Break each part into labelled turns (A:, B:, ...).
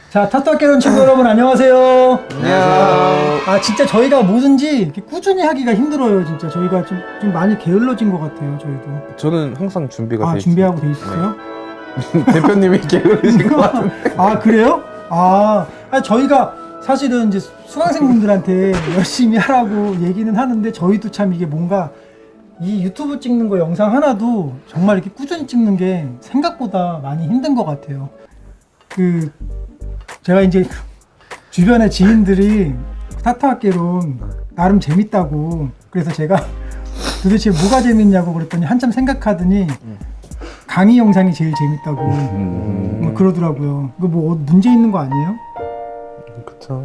A: 자, 타투학개론 친구 여러분 안녕하세요.
B: 안녕하세요.
A: 아, 진짜 저희가 뭐든지 이렇게 꾸준히 하기가 힘들어요. 진짜 저희가 좀 많이 게을러진 것 같아요. 저희도.
B: 저는 항상 준비가 돼
A: 준비하고 돼 있으세요?
B: 네. 대표님이 게으르신 것 같은데.
A: 아, 그래요? 아니, 저희가 사실은 이제 수강생분들한테 열심히 하라고 얘기는 하는데 저희도 참 이게 뭔가 이 유튜브 찍는 거 영상 하나도 정말 이렇게 꾸준히 찍는 게 생각보다 많이 힘든 것 같아요. 제가 이제 주변에 지인들이 타투학개론 나름 재밌다고 그래서 제가 도대체 뭐가 재밌냐고 그랬더니 한참 생각하더니 강의 영상이 제일 재밌다고 뭐 그러더라고요. 이거 뭐 문제 있는 거 아니에요?
B: 그쵸.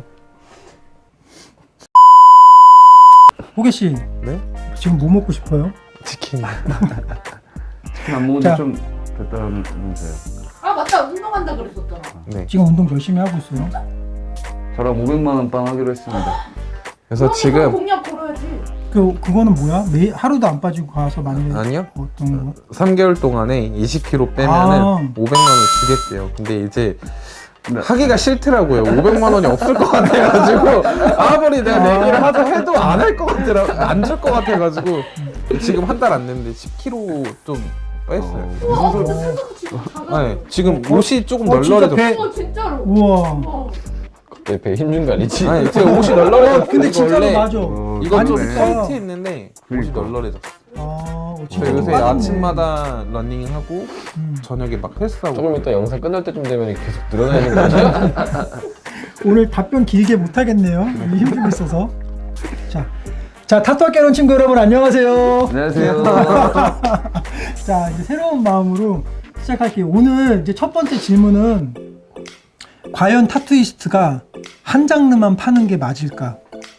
A: 호계 씨,
B: 네?
A: 지금 뭐 먹고 싶어요?
B: 치킨.
C: 치킨 안 먹은
A: 자.
C: 지 좀 됐다면서요.
D: 아 맞다, 운동한다 그랬었잖아.
B: 네.
A: 지금 운동 열심히 하고 있어요.
C: 저랑 500만 원 빵 하기로 했습니다.
B: 그래서
D: 그러면
B: 지금
D: 공약 걸어야지.
A: 그거는 뭐야? 하루도 안 빠지고 가서 만약에
B: 아니요.
A: 어떤 거?
B: 3개월 동안에 20kg 빼면은 500만 원 주겠대요. 근데 이제 하기가 싫더라고요. 500만 원이 없을 것 같아가지고 아무리 내가 내기를 하자 해도 안 할 것 같더라. 안 줄 것 같아가지고 지금 한 달 안 됐는데 10kg 좀 뺐어요.
D: 우와, 근데 생각보다 진짜 작아.
B: 네, 지금 옷이 조금
A: 진짜
B: 널널해졌어요.
D: 어, 진짜로.
A: 우와.
D: 어.
E: 배 힘준 거 아니지?
B: 아니, 제가 옷이 널널해졌어요.
A: 근데 진짜로
B: 원래
A: 맞아.
B: 이건 좀
A: 아니,
B: 타이트했는데 옷이
C: 그러니까.
B: 널널해졌어.
A: 저
B: 저 요새 아침마다 러닝하고 저녁에 막 헬스하고.
E: 조금 이따 영상 끝날 때쯤 되면 계속 늘어나는 거 아니야?
A: 오늘 답변 길게 못 하겠네요. 힘들고 있어서. 자, 타투학개론 친구 여러분 안녕하세요.
C: 안녕하세요.
A: 자, 이제 새로운 마음으로 시작할게요. 오늘 이제 첫 번째 질문은 과연 타투이스트가 한 장르만 파는 게 맞을까?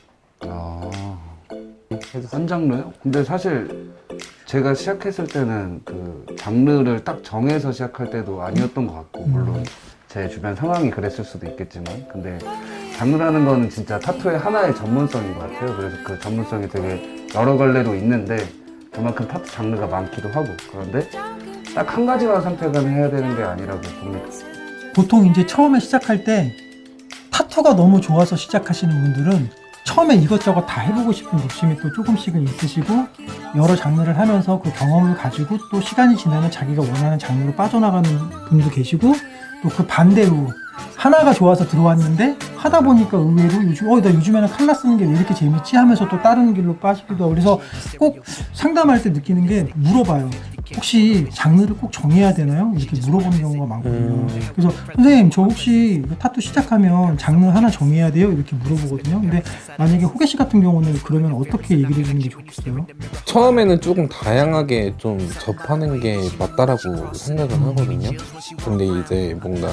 C: 한 장르요? 근데 사실 제가 시작했을 때는 그 장르를 딱 정해서 시작할 때도 아니었던 것 같고 물론 제 주변 상황이 그랬을 수도 있겠지만 근데 장르라는 거는 진짜 타투의 하나의 전문성인 것 같아요. 그래서 그 전문성이 되게 여러 갈래로 있는데 그만큼 타투 장르가 많기도 하고 그런데 딱 한 가지만 선택을 해야 되는 게 아니라고 봅니다.
A: 보통 이제 처음에 시작할 때 타투가 너무 좋아서 시작하시는 분들은 처음에 이것저것 다 해보고 싶은 욕심이 또 조금씩은 있으시고 여러 장르를 하면서 그 경험을 가지고 또 시간이 지나면 자기가 원하는 장르로 빠져나가는 분도 계시고 또 그 반대로 하나가 좋아서 들어왔는데 하다 보니까 의외로 나 요즘에는 칼라 쓰는 게 왜 이렇게 재밌지 하면서 또 다른 길로 빠지기도 하고 그래서 꼭 상담할 때 느끼는 게 물어봐요. 혹시 장르를 꼭 정해야 되나요? 이렇게 물어보는 경우가 많거든요. 그래서 선생님 저 혹시 타투 시작하면 장르 하나 정해야 돼요? 이렇게 물어보거든요. 근데 만약에 호계 씨 같은 경우는 그러면 어떻게 얘기를 해주는 게 좋겠어요?
B: 처음에는 조금 다양하게 좀 접하는 게 맞다라고 생각은 하거든요. 근데 이제 뭔가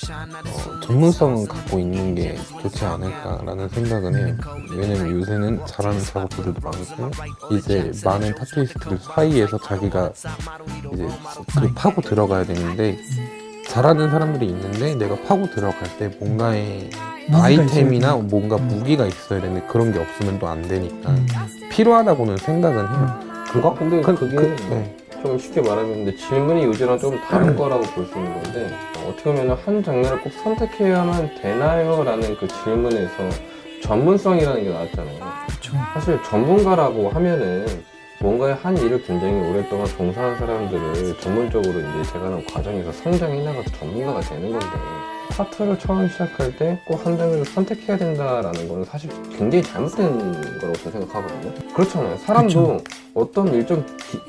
B: 전문성을 갖고 있는 게 좋지 않을까라는 생각은 해요. 왜냐면 요새는 잘하는 작업들도 많고 이제 많은 타투이스트들 사이에서 자기가 이제 그 파고 들어가야 되는데 잘하는 사람들이 있는데 내가 파고 들어갈 때 뭔가의 아이템이나 뭔가 무기가 있어야 되는데 그런 게 없으면 또 안 되니까 필요하다고는 생각은 해요.
E: 근데 그게
B: 네.
E: 좀 쉽게 말하면 근데 질문이 요즘랑 좀 다른 거라고 볼 수 있는 건데 어떻게 보면 한 장르를 꼭 선택해야만 되나요? 라는 그 질문에서 전문성이라는 게 나왔잖아요.
A: 그렇죠.
E: 사실 전문가라고 하면은 뭔가의 한 일을 굉장히 오랫동안 종사한 사람들을 전문적으로 이제 제가 과정에서 성장해 나가서 전문가가 되는 건데 타투를 처음 시작할 때 꼭 한 장르를 선택해야 된다라는 거는 사실 굉장히 잘못된 거라고 저는 생각하거든요. 그렇잖아요. 사람도 어떤 일정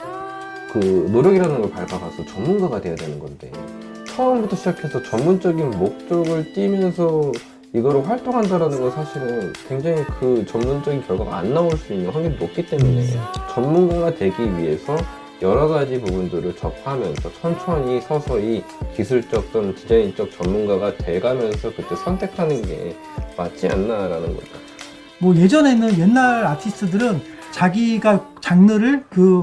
E: 그 노력이라는 걸 밟아가서 전문가가 돼야 되는 건데 처음부터 시작해서 전문적인 목적을 띠면서 이거를 활동한다라는 건 사실은 굉장히 그 전문적인 결과가 안 나올 수 있는 확률이 높기 때문에 전문가가 되기 위해서 여러 가지 부분들을 접하면서 천천히 서서히 기술적 또는 디자인적 전문가가 돼가면서 그때 선택하는 게 맞지 않나라는 거죠.
A: 뭐 예전에는 옛날 아티스트들은 자기가 장르를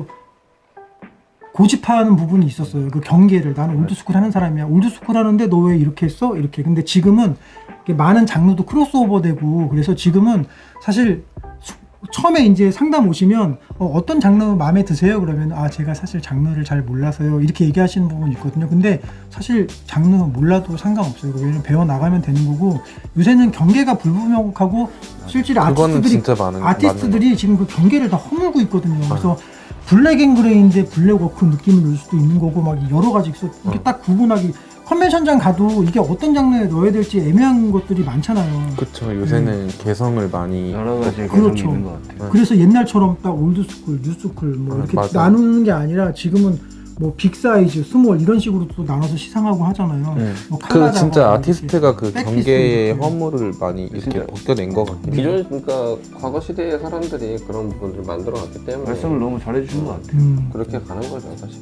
A: 고집하는 부분이 있었어요. 그 경계를 나는 올드스쿨 하는 사람이야. 올드스쿨 하는데 너 왜 이렇게 했어? 이렇게. 근데 지금은 많은 장르도 크로스오버되고 그래서 지금은 사실 처음에 이제 상담 오시면 어떤 장르 마음에 드세요? 그러면 제가 사실 장르를 잘 몰라서요 이렇게 얘기하시는 부분이 있거든요. 근데 사실 장르 몰라도 상관없어요. 왜냐면 배워 나가면 되는 거고 요새는 경계가 불분명하고 실제로
B: 그거는 진짜
A: 아티스트들이 지금 그 경계를 다 허물고 있거든요. 그래서 블랙 앤 그레이인데 블랙 워크 느낌을 넣을 수도 있는 거고 막 여러 가지 있어. 이게 딱 구분하기 컨벤션장 가도 이게 어떤 장르에 넣어야 될지 애매한 것들이 많잖아요.
B: 그쵸. 요새는 개성을 많이
C: 여러 가지 개성이
A: 그렇죠.
C: 있는 것 같아요.
A: 그래서 옛날처럼 딱 올드스쿨, 뉴스쿨 뭐 이렇게
B: 맞아.
A: 나누는 게 아니라 지금은 뭐 빅사이즈, 스몰 이런 식으로 또 나눠서 시상하고 하잖아요. 뭐
B: 그
A: 칼라다가
B: 진짜
A: 이렇게
B: 아티스트가 그
A: 백피스
B: 경계의
A: 이렇게.
B: 허물을 많이 이렇게
C: 진짜.
B: 벗겨낸 것 같아요.
E: 기존 그러니까 과거 시대의 사람들이 그런 부분들을 만들어놨기 때문에
C: 말씀을 너무 잘해주신 것 같아요.
E: 그렇게 가는 거죠 사실.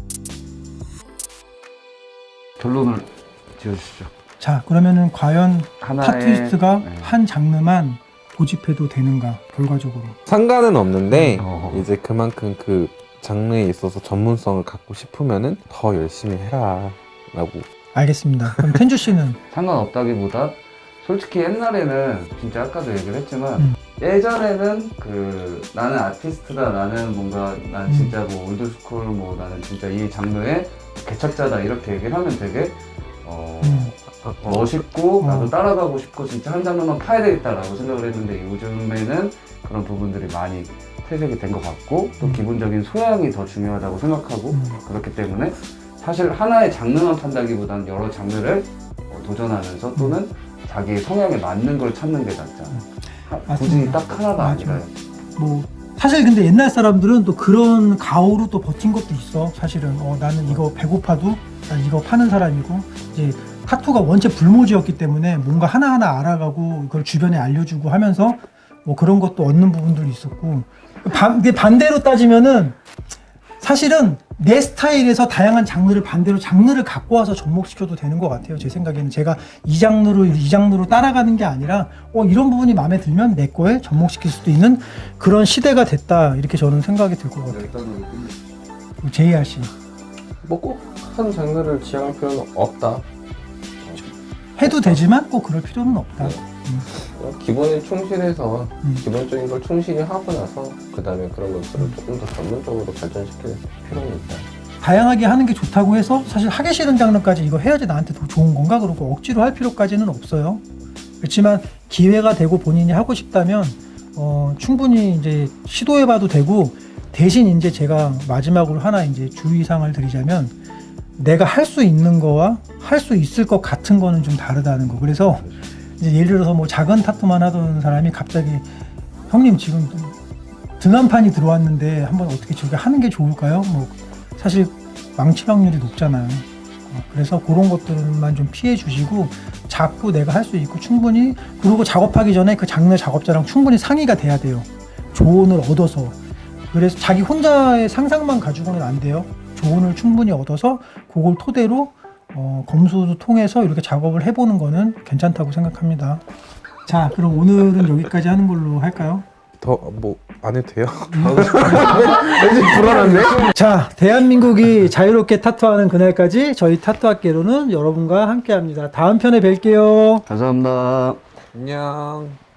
C: 결론을 지어주시죠.
A: 자, 그러면은 과연
C: 하나의
A: 타투이스트가
C: 네.
A: 한 장르만 고집해도 되는가 결과적으로.
B: 상관은 없는데
C: 어.
B: 이제 그만큼 그 장르에 있어서 전문성을 갖고 싶으면은 더 열심히 해라 라고.
A: 알겠습니다. 그럼 텐주 씨는
C: 상관없다기보다 솔직히 옛날에는 진짜 아까도 얘기를 했지만 예전에는 그 나는 아티스트다, 나는 뭔가 난 진짜 뭐 올드스쿨 뭐 나는 진짜 이 장르의 개척자다 이렇게 얘기를 하면 되게 멋있고 나도 따라가고 싶고 진짜 한 장르만 파야 되겠다라고 생각을 했는데 요즘에는 그런 부분들이 많이 퇴색이 된 것 같고 또 기본적인 소양이 더 중요하다고 생각하고 그렇기 때문에 사실 하나의 장르만 판다기보다는 여러 장르를 도전하면서 또는 자기 성향에 맞는 걸 찾는 게 낫잖아. 굳이
A: 맞습니다.
C: 딱 하나가
A: 맞아.
C: 아니라요.
A: 뭐 사실 근데 옛날 사람들은 또 그런 가오로 또 버틴 것도 있어. 사실은 나는 이거 배고파도 난 이거 파는 사람이고 이제 타투가 원체 불모지였기 때문에 뭔가 하나하나 알아가고 이걸 주변에 알려주고 하면서 뭐 그런 것도 얻는 부분들이 있었고 근데 반대로 따지면은 사실은 내 스타일에서 다양한 장르를 반대로 장르를 갖고 와서 접목시켜도 되는 것 같아요. 제 생각에는 제가 이 장르로 따라가는 게 아니라 이런 부분이 마음에 들면 내 거에 접목시킬 수도 있는 그런 시대가 됐다 이렇게 저는 생각이 들 것 같아요. JR 씨
E: 뭐 꼭 한 장르를 지향할 필요는 없다.
A: 해도 되지만 꼭 그럴 필요는 없다.
E: 기본에 충실해서
A: 음.
E: 기본적인 걸 충실히 하고 나서 그 다음에 그런 것들을 조금 더 전문적으로 발전시킬 필요는 있다.
A: 다양하게 하는 게 좋다고 해서 사실 하기 싫은 장르까지 이거 해야지 나한테 더 좋은 건가 그러고 억지로 할 필요까지는 없어요. 그렇지만 기회가 되고 본인이 하고 싶다면 충분히 이제 시도해봐도 되고 대신 이제 제가 마지막으로 하나 이제 주의사항을 드리자면 내가 할 수 있는 거와 할 수 있을 것 같은 거는 좀 다르다는 거. 그래서 이제 예를 들어서 뭐 작은 타투만 하던 사람이 갑자기 형님 지금 등한판이 들어왔는데 한번 어떻게 저게 하는 게 좋을까요? 뭐 사실 망칠 확률이 높잖아요. 그래서 그런 것들만 좀 피해 주시고 자꾸 내가 할 수 있고 충분히 그리고 작업하기 전에 그 장르 작업자랑 충분히 상의가 돼야 돼요. 조언을 얻어서. 그래서 자기 혼자의 상상만 가지고는 안 돼요. 조언을 충분히 얻어서 그걸 토대로 검수도 통해서 이렇게 작업을 해보는 거는 괜찮다고 생각합니다. 자, 그럼 오늘은 여기까지 하는 걸로 할까요?
B: 더 뭐 안 해도 돼요?
E: 왠지 불안한데?
A: 자, 대한민국이 자유롭게 타투하는 그날까지 저희 타투학계로는 여러분과 함께합니다. 다음 편에 뵐게요.
C: 감사합니다.
B: 안녕.